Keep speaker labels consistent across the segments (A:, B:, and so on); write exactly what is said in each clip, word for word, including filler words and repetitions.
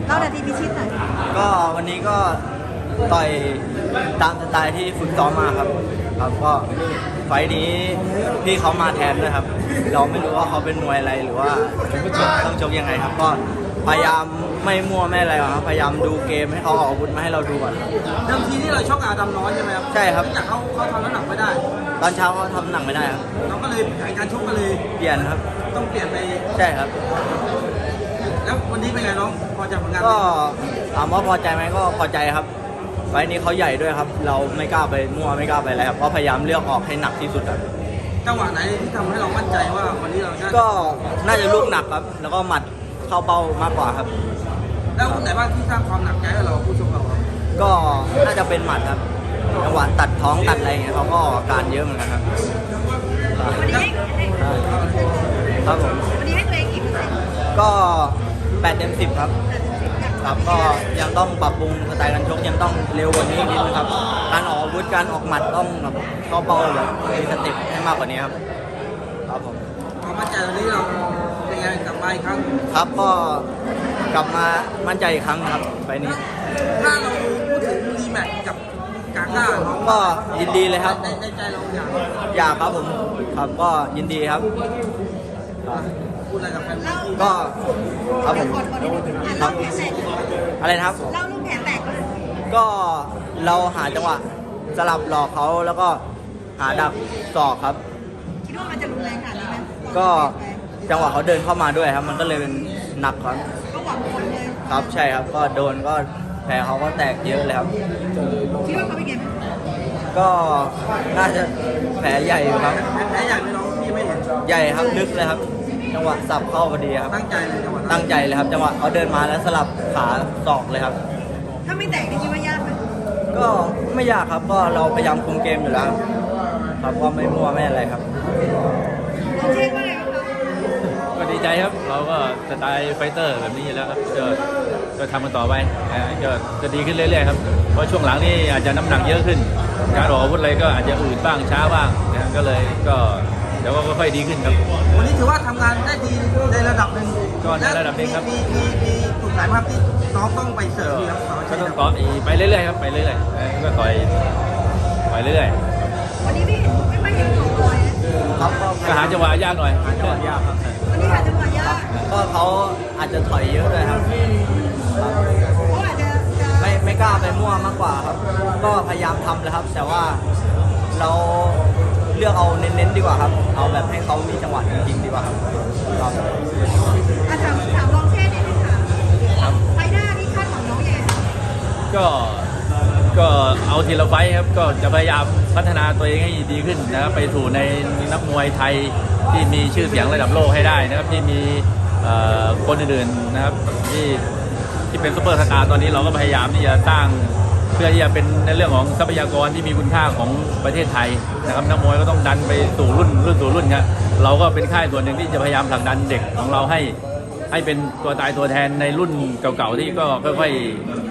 A: เล่านาทีพิชิตหน่อย
B: ก็วันนี้ก็ต่อยตามสไตล์ที่ฝึกซ้อมมาครับครับก็ไฟล์นี้พี่เขามาแทนด้วยครับเราไม่รู้ว่าเขาเป็นมวยอะไรหรือว่าต้องชกยังไงครับก็พยายามไม่มั่วไม่อะไรครับพยายามดูเกมให้เขาออกอาวุธมาให้เราดูก่อนครับ
C: เดิมทีที่เราชกอาดำน้อยใช่ไหมครับ
B: ใช่ครับ
C: จากเขาเขาทำน้ำหนักไม่ได้
B: ตอนเช้าเขาทำหนักไม่ได้ครับ
C: เราก็เลยแผนการชกก็เลย
B: เปลี่ยนครับ
C: ต้องเปลี่ยนไป
B: ใช่ครับ
C: แล้ววันนี้เป็นไงน้องพอใจผลงาน
B: ก็ถามว่าพอใจไหมก็พอใจครับไฟล์นี้เขาใหญ่ด้วยครับเราไม่กล้าไปมั่วไม่กล้าไปอะไรครับก็พยายามเลือกออกให้หนักที่สุดครับ
C: จังหวะไหนที่ทำให้เรามั่นใจว่าวันนี้เราจะ
B: ก็น่าจะลูกหนักครับแล้วก็หมัดเข้าเป้ามากกว่าครับ
C: แล้วคนไหนบ้างที่สร้างความหนักใจให้เราผู้ชมเรา
B: ก็น่าจะเป็นหมัดครับจังหวะตัดท้องตัดอะไรอย่างเงี้ยเขาก็การเยอะเหมือนกันครับ
A: วันนี้
B: ครับผม
A: วันนี้ให้ตัวเองกี่เปอร์เซ็นต์
B: ก็แปดเต็มสิบครับครับก็ยังต้องปรับปรุงสไตล์การชกยังต้องเร็วกว่านี้นิดนึงครับการออกอาวุธการออกหมัดต้องแบบเข้าเป้าแบบมีสเต็ปให้มากกว่านี้ครับครับผม
C: ความมั่นใจตอนนี้เราเป็นไงกลับมาอีกครั้ง
B: ครับก็กลับมามั่นใจอีกครั้งครับไปนี้
C: ถ้าเราพูดถึงรีแมตช์กับกาก้า
B: ก็ยินดีเลยครับ
C: ในใจเราอยาก
B: อยากครับผมครับก็ยินดีครับ
C: พูดอะไรกับแฟน
B: ก็ครับผมครับอะไรนะครับ
A: เล่าลูกแผลแตก
B: ก็เราหาจังหวะสลับหลอกเขาแล้วก็หาดักศอกครับ
A: คิดว่ามันจะรุนแรงขนาดนี้ไหม
B: ก็จังหวะเขาเดินเข้ามาด้วยครับมันก็เลยเป็นหนักครับ
A: ก็หวังผลเลย
B: ครับใช่ครับก็โดนก็แผลเขาก็แตกเยอะเลยครับ
A: คิดว่าเขาเป็นไง
B: ก็น่าจะแผลใหญ่ครับ
C: แผลใหญ่ไหมน้องพี่ไม่เห็น
B: ใหญ่ครับลึกเลยครับจังหวะสับเข้าพอดีครับ
C: ตั้งใจเลยจังหวะ
B: ตั้งใจเลยครับจังหวะเขาเดินมาแล้วสลับขาศอกเลยครับ
A: ถ้าไม่แตกคิดว่ายากไหม
B: ก็ไม่ยากครับก็เราพยายามคุมเกมอยู่แล้วครับก็ไม่มั่วไม่อะไรครับ
A: น้องเชษว่าไงครับ
D: ก็ดีใจครับเราก็สไตล์ไฟเตอร์แบบนี้อยู่แล้วครับก็ก็ทำกันต่อไปก็จะดีขึ้นเรื่อยๆครับเพราะช่วงหลังนี่อาจจะน้ำหนักเยอะขึ้นการออกอาวุธอะไรก็อาจจะอืดบ้างช้าบ้างนะก็เลยก็เดี๋ยวก็ค่อยดีขึ้นครับ
C: วันนี้ถือว่าทำงานได้ดีในระดับหนึ่ง
D: ก็ในระดับหนึ่งครับ
C: มีมีมีกลุ่มไหนครับที่น้องต้องไปเสริมครับ
D: ก็ต้องต่อไปเรื่อยๆครับไปเรื่อยๆก็ต่อยไปเรื่อย
A: ๆวันนี้ไม่เห็นไม่ไม่เห็นของบอย
B: ครับ
D: ก็หาจังหวะยากหน่อย
B: หาจังหวะยากครับ
A: วันนี้หาจังหวะยาก
B: ก็เขาอาจจะถอยเยอะเลยครับ
A: เขาอาจจะ
B: ไม่ไม่กล้าไปมั่วมากกว่าครับก็พยายามทำเลยครับแต่ว่าเราเลือกเอาเน้นๆดีกว่าครับเอาแบบให้เขามีจังหวะจริงๆดีกว่าครับครับ
A: ถามถามลองเช่นนิดนึงค่ะไฟหน้านี่คาดหวังน้องยังไง
D: ก็ก็เอาทีละไฟครับก็จะพยายามพัฒนาตัวเองให้ดีขึ้นนะครับไปสู่ในนักมวยไทยที่มีชื่อเสียงระดับโลกให้ได้นะครับที่มีคนอื่นๆนะครับที่ที่เป็นซุปเปอร์สตาร์ตอนนี้เราก็พยายามที่จะสร้างเพื่อที่จะเป็นในเรื่องของทรัพยากรที่มีคุณค่าของประเทศไทยนะครับนักมวยก็ต้องดันไปสู่รุ่นรุ่นสู่รุ่นครับเราก็เป็นค่ายส่วนหนึ่งที่จะพยายามผลักดันเด็กของเราให้ให้เป็นตัวตายตัวแทนในรุ่นเก่าๆที่ก็ค่อย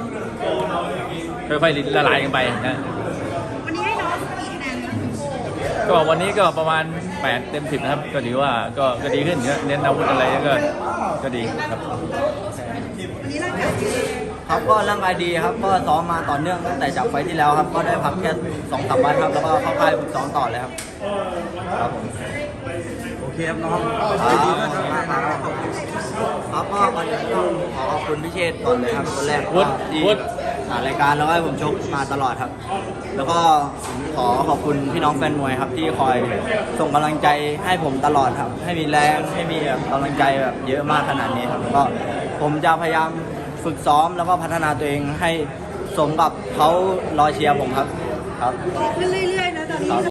D: ๆค่อยๆละลายกันไปนะ
A: วันนี้ให้น้องกี่คะแนน
D: ก็วันนี้ก็ประมาณแปดเต็มสิบนะครับก็ถือว่าก็ก็ดีขึ้นเน้นอาวุธอะไรก็ก็ดีครับ
A: วันนี้ร่างกายดี
B: ครับก็ร่างกายดีครับก็ซ้อมมาต่อเนื่องตั้งแต่จากไฟที่แล้วครับก็ได้พักแค่สองสามวันครับแล้วก็เข้าค่ายฝึกซ้อมต่อเลยครับครับผม
C: โอเคครับน้อง
B: ดีมากครับครับก็ก่อนอื่นต้องขอขอบคุณพี่เชษก่อนเลยครับคนแรกที่รายการแล้วก็ให้ผมชกมาตลอดครับแล้วก็ขอขอบคุณพี่น้องแฟนมวยครับที่คอยส่งกำลังใจให้ผมตลอดครับให้มีแรงให้มีแบบกำลังใจแบบเยอะมากขนาดนี้ครับแล้วก็ผมจะพยายามฝึกซ้อมแล้วก็พัฒนาตัวเองให้สมกับเขารอเชียร์ผมครับครับ
A: ขึ้นเรื่อยๆนะตอนนี้